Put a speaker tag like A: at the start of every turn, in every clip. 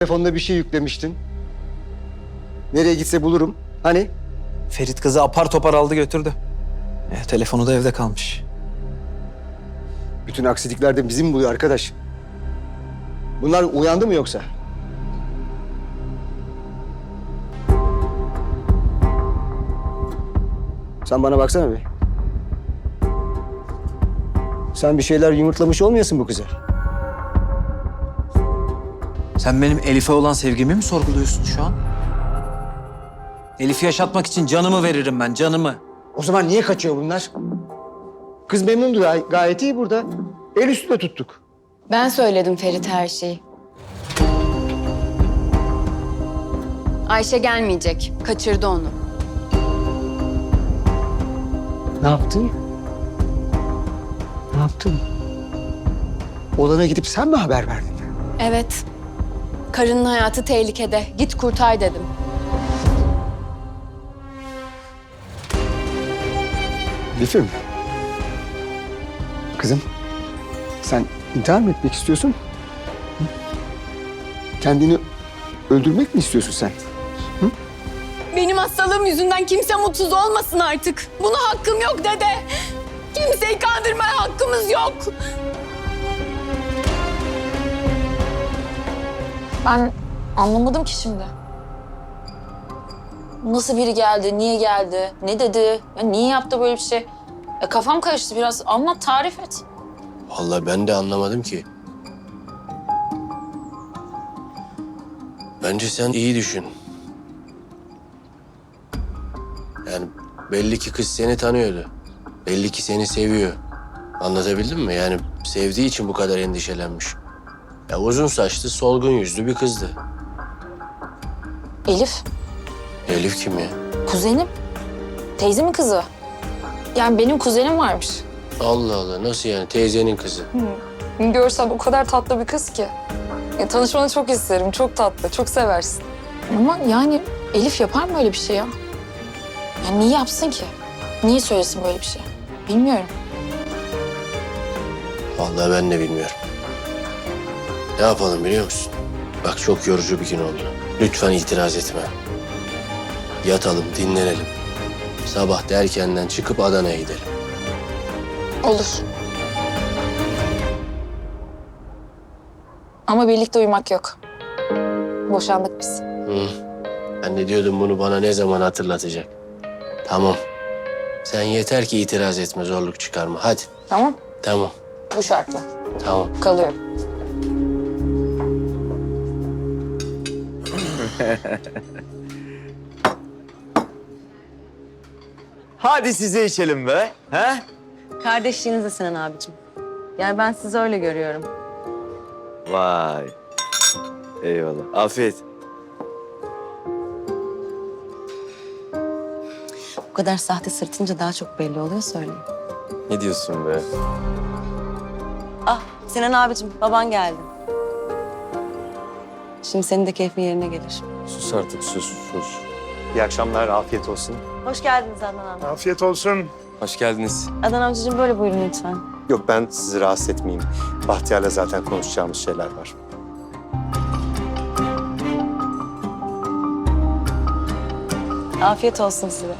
A: Telefonda bir şey yüklemiştin. Nereye gitse bulurum. Hani?
B: Ferit kızı apar topar aldı götürdü. Telefonu da evde kalmış.
A: Bütün aksilikler de bizim buluyor arkadaş. Bunlar uyandı mı yoksa? Sen bana baksana bir. Sen bir şeyler yumurtlamış olmayasın bu kıza.
B: Sen benim Elif'e olan sevgimi mi sorguluyorsun şu an? Elif'i yaşatmak için canımı veririm ben, canımı.
A: O zaman niye kaçıyor bunlar? Kız memnundu, gayet iyi burada. El üstüne tuttuk.
C: Ben söyledim Ferit her şeyi. Ayşe gelmeyecek. Kaçırdı onu.
A: Ne yaptın? Ne yaptın? Olana gidip sen mi haber verdin?
C: Evet. Karının hayatı tehlikede. Git kurtar dedim.
A: Elif'im. Kızım, sen intihar mı etmek istiyorsun? Hı? Kendini öldürmek mi istiyorsun sen?
C: Benim hastalığım yüzünden kimse mutsuz olmasın artık. Buna hakkım yok dede. Kimseyi kandırmaya hakkımız yok.
D: Ben anlamadım ki şimdi. Nasıl biri geldi, niye geldi, ne dedi, ya niye yaptı böyle bir şey? Kafam karıştı biraz. Anlat, tarif et.
E: Vallahi ben de anlamadım ki. Bence sen iyi düşün. Yani belli ki kız seni tanıyordu. Belli ki seni seviyor. Anlatabildim mi? Yani sevdiği için bu kadar endişelenmiş. Ya uzun saçlı, solgun yüzlü bir kızdı.
D: Elif,
E: Elif kim ya?
D: kuzenim. Teyzemin kızı. Yani benim kuzenim varmış.
E: Allah Allah, nasıl yani? Teyzenin kızı.
D: Görsen o kadar tatlı bir kız ki. Ya, tanışmanı çok isterim, çok tatlı, çok seversin. Ama yani Elif yapar mı öyle bir şey ya? Ya niye yapsın ki? Niye söylesin böyle bir şey? Bilmiyorum.
E: Vallahi ben de bilmiyorum. Ne yapalım biliyor musun? Bak çok yorucu bir gün oldu. Lütfen itiraz etme. Yatalım, dinlenelim. Sabah da erkenden çıkıp Adana'ya gidelim.
D: Olur. Ama birlikte uyumak yok. Boşandık biz.
E: Hı. Ben de diyordum bunu bana ne zaman hatırlatacak. Tamam. Sen yeter ki itiraz etme, zorluk çıkarma. Hadi.
D: Tamam.
E: Tamam.
D: Bu şartla.
E: Tamam.
D: Kalıyorum.
F: Hadi size içelim be. He?
G: Kardeşliğinize Sinan abicim. Yani ben sizi öyle görüyorum.
F: Vay. Eyvallah. Afiyet.
G: Bu kadar sahte sırtınca daha çok belli oluyor söyleyeyim.
F: Ne diyorsun be?
G: Ah Sinan abicim baban geldi. Şimdi senin de keyfin yerine gelir.
F: Sus artık sus. İyi akşamlar, afiyet olsun.
G: Hoş geldiniz Adnan amca.
H: Afiyet olsun.
F: Hoş geldiniz.
G: Adnan amcacığım böyle buyurun lütfen.
H: Yok ben sizi rahatsız etmeyeyim. Bahtiyar'la zaten konuşacağımız şeyler var.
G: Afiyet olsun size.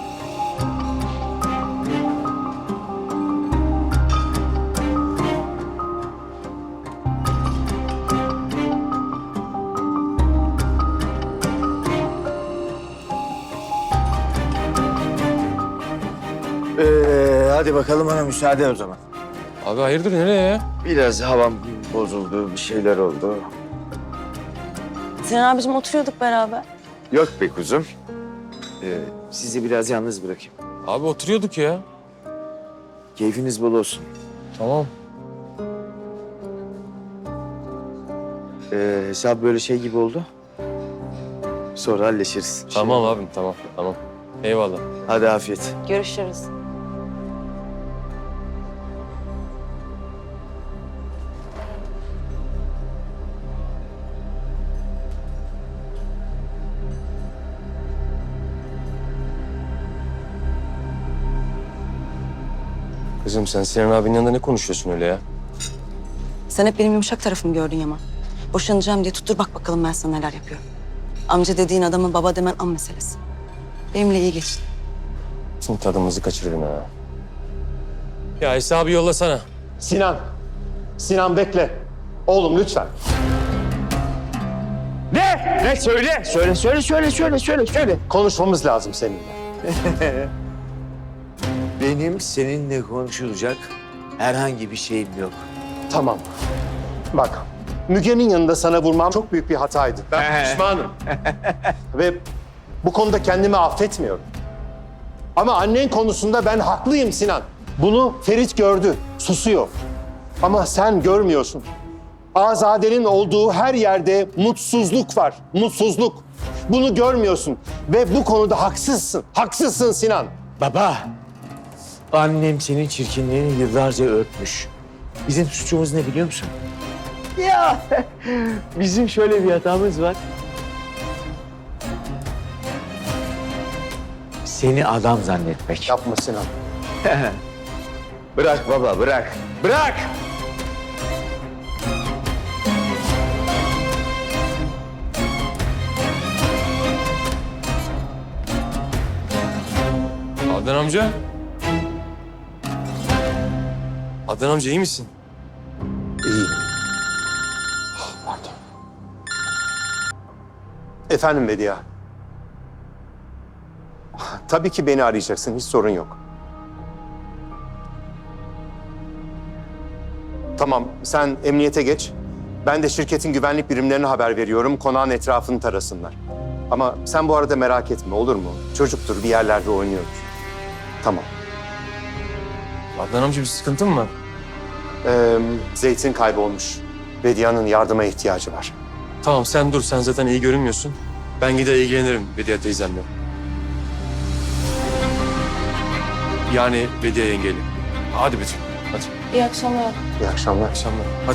F: Hadi bakalım bana müsaade o zaman.
I: Abi hayırdır nereye ya?
F: Biraz havam bozuldu, bir şeyler oldu.
G: Sinan abicim oturuyorduk beraber.
F: Yok be kuzum. Sizi biraz yalnız bırakayım.
I: Abi oturuyorduk ya.
F: Keyfiniz bol olsun.
I: Tamam.
F: Hesap böyle şey gibi oldu. Sonra halleşiriz.
I: Tamam abim tamam. Eyvallah.
F: Hadi afiyet.
G: Görüşürüz.
I: Kızım sen Sinan abinin yanında ne konuşuyorsun öyle ya?
G: Sen hep benim yumuşak tarafımı gördün Yaman. Boşanacağım diye tuttur bak bakalım ben sana neler yapıyorum. Amca dediğin adamı baba demen an meselesi. Benimle iyi geçin.
I: Şimdi tadımızı kaçırdın ha. Ya hesabı yollasana.
H: Sinan. Sinan bekle. Oğlum lütfen.
F: Ne? Söyle.
H: Konuşmamız lazım seninle.
F: Benim seninle konuşulacak herhangi bir şeyim yok.
H: Tamam. Bak, Müge'nin yanında sana vurmam çok büyük bir hataydı. Ben pişmanım. Ve bu konuda kendimi affetmiyorum. Ama annen konusunda ben haklıyım Sinan. Bunu Ferit gördü, susuyor. Ama sen görmüyorsun. Azade'nin olduğu her yerde mutsuzluk var, mutsuzluk. Bunu görmüyorsun ve bu konuda haksızsın. Haksızsın Sinan.
F: Baba, annem senin çirkinliğini yıllarca örtmüş. Bizim suçumuz ne biliyor musun? Ya, bizim şöyle bir hatamız var. Seni adam zannetmek.
H: Yapma Sinan.
F: Bırak baba, bırak. Bırak!
I: Adnan amca. Adnan amca iyi misin?
H: İyi. Pardon. Efendim Bediye. Tabii ki beni arayacaksın, hiç sorun yok. Tamam, sen emniyete geç. Ben de şirketin güvenlik birimlerine haber veriyorum, konağın etrafını tarasınlar. Ama sen bu arada merak etme, olur mu? Çocuktur, bir yerlerde oynuyordur. Tamam.
I: Adnan amca bir sıkıntı mı var?
H: Zeytin kaybolmuş. Bediye'nin yardıma ihtiyacı var.
I: Tamam sen dur, sen zaten iyi görünmüyorsun. Ben gider ilgilenirim Bediye teyzemle. Yani Bediye yengeyle. Hadi Betül, hadi.
D: İyi akşamlar.
H: İyi akşamlar.
I: Akşamlar, hadi.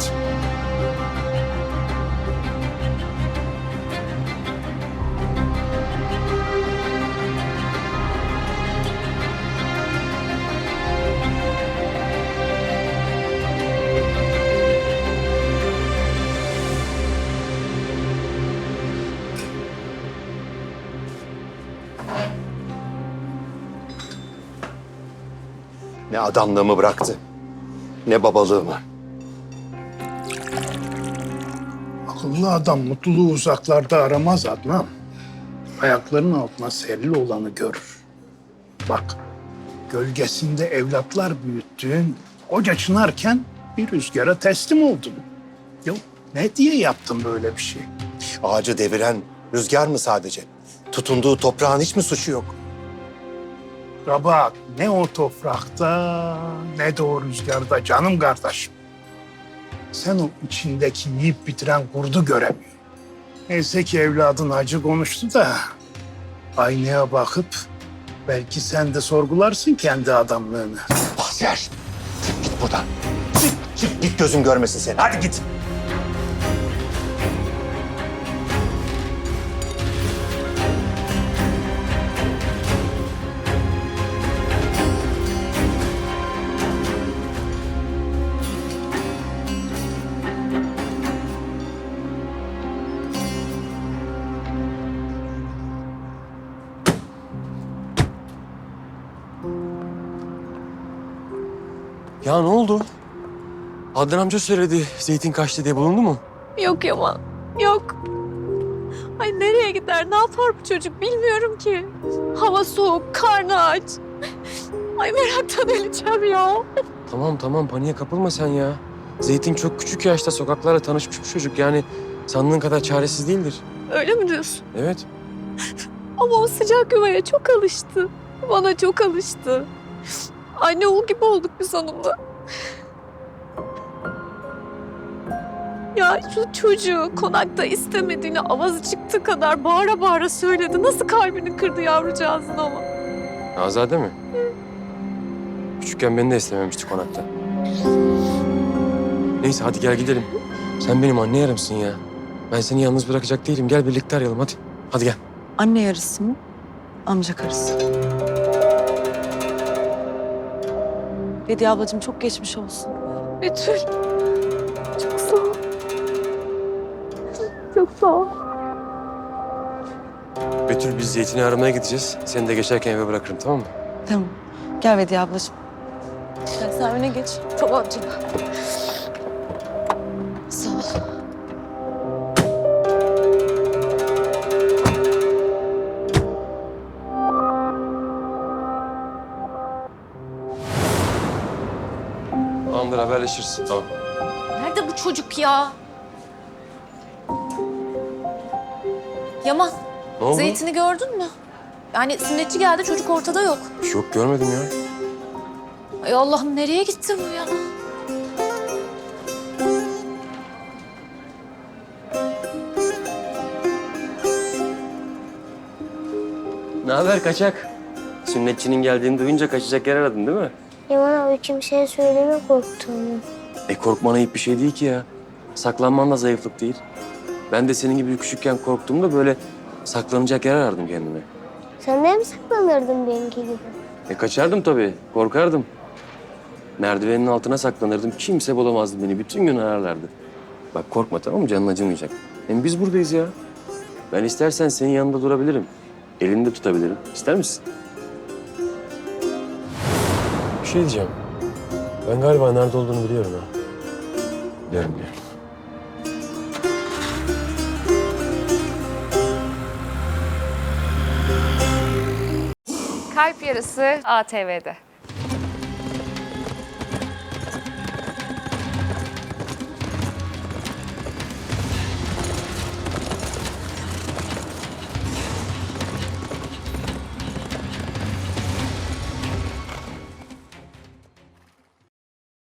H: Ne adamlığımı bıraktı, ne babalığımı.
J: Akıllı adam mutluluğu uzaklarda aramaz Adnan. Ayaklarının altına serili olanı görür. Bak, gölgesinde evlatlar büyüttüğün koca çınarken bir rüzgara teslim oldun. Yok, ne diye yaptın böyle bir şey?
H: Ağacı deviren rüzgar mı sadece? Tutunduğu toprağın hiç mi suçu yok?
J: Rabat, ne o toprakta ne de o rüzgarda canım kardeşim. Sen o içindeki yiyip bitiren kurdu göremiyorsun. Neyse ki evladın acı konuştu da aynaya bakıp belki sen de sorgularsın kendi adamlığını.
H: Bahtiyar, git buradan. Git gözüm görmesin seni. Hadi git.
I: Ya ne oldu? Adnan amca söyledi, zeytin kaçtı diye, bulundu mu?
C: Yok Yaman, yok. Ay nereye gider, ne yapar bu çocuk bilmiyorum ki. Hava soğuk, karnı aç. Ay meraktan öleceğim ya.
I: Tamam paniğe kapılma sen ya. Zeytin çok küçük yaşta sokaklarla tanışmış bir çocuk, yani sandığın kadar çaresiz değildir.
C: Öyle mi diyorsun?
I: Evet.
C: Ama o sıcak yuvaya çok alıştı. Bana çok alıştı. Anne oğul gibi olduk biz onunla. Ya şu çocuğu konakta istemediğini avazı çıktığı kadar bağıra bağıra söyledi. Nasıl kalbini kırdı yavrucağızın ama.
I: Azade mi? Küçükken beni de istememişti konakta. Neyse hadi gel gidelim. Sen benim anne yarımsın ya. Ben seni yalnız bırakacak değilim. Gel birlikte arayalım hadi. Hadi gel.
G: Anne yarısı mı? Amca karısı. Bediye ablacığım çok geçmiş olsun.
C: Betül. Çok sağ ol.
I: Betül biz Zeytin'i aramaya gideceğiz. Seni de geçerken eve bırakırım tamam mı?
G: Tamam. Gel Vediye ablacığım.
C: Sen öne geç. Tamam canım. Sağ ol.
I: Tamamdır haberleşiriz. Tamam.
C: Nerede bu çocuk ya? Yaman,
I: Ne oldu?
C: Zeytin'i gördün mü? Yani sünnetçi geldi, çocuk ortada yok.
I: Yok görmedim ya.
C: Ay Allah'ım, nereye gitti bu ya?
I: Ne haber kaçak? Sünnetçinin geldiğini duyunca kaçacak yer aradın değil mi?
K: Yaman abi kimseye söyleme korktuğumu.
I: Korkman ayıp bir şey değil ki ya. Saklanman da zayıflık değil. Ben de senin gibi küçükken korktuğumda böyle saklanacak yer arardım kendime.
K: Sen de mi saklanırdın benimki gibi?
I: Kaçardım tabii, korkardım. Merdivenin altına saklanırdım, kimse bulamazdı beni. Bütün gün ararlardı. Bak korkma tamam mı? Canın acımayacak. Hem biz buradayız ya. Ben istersen senin yanında durabilirim. Elini de tutabilirim. İster misin? Bir şey diyeceğim. Ben galiba nerede olduğunu biliyorum ha. Biliyorum.
L: Kalp Yarısı ATV'de.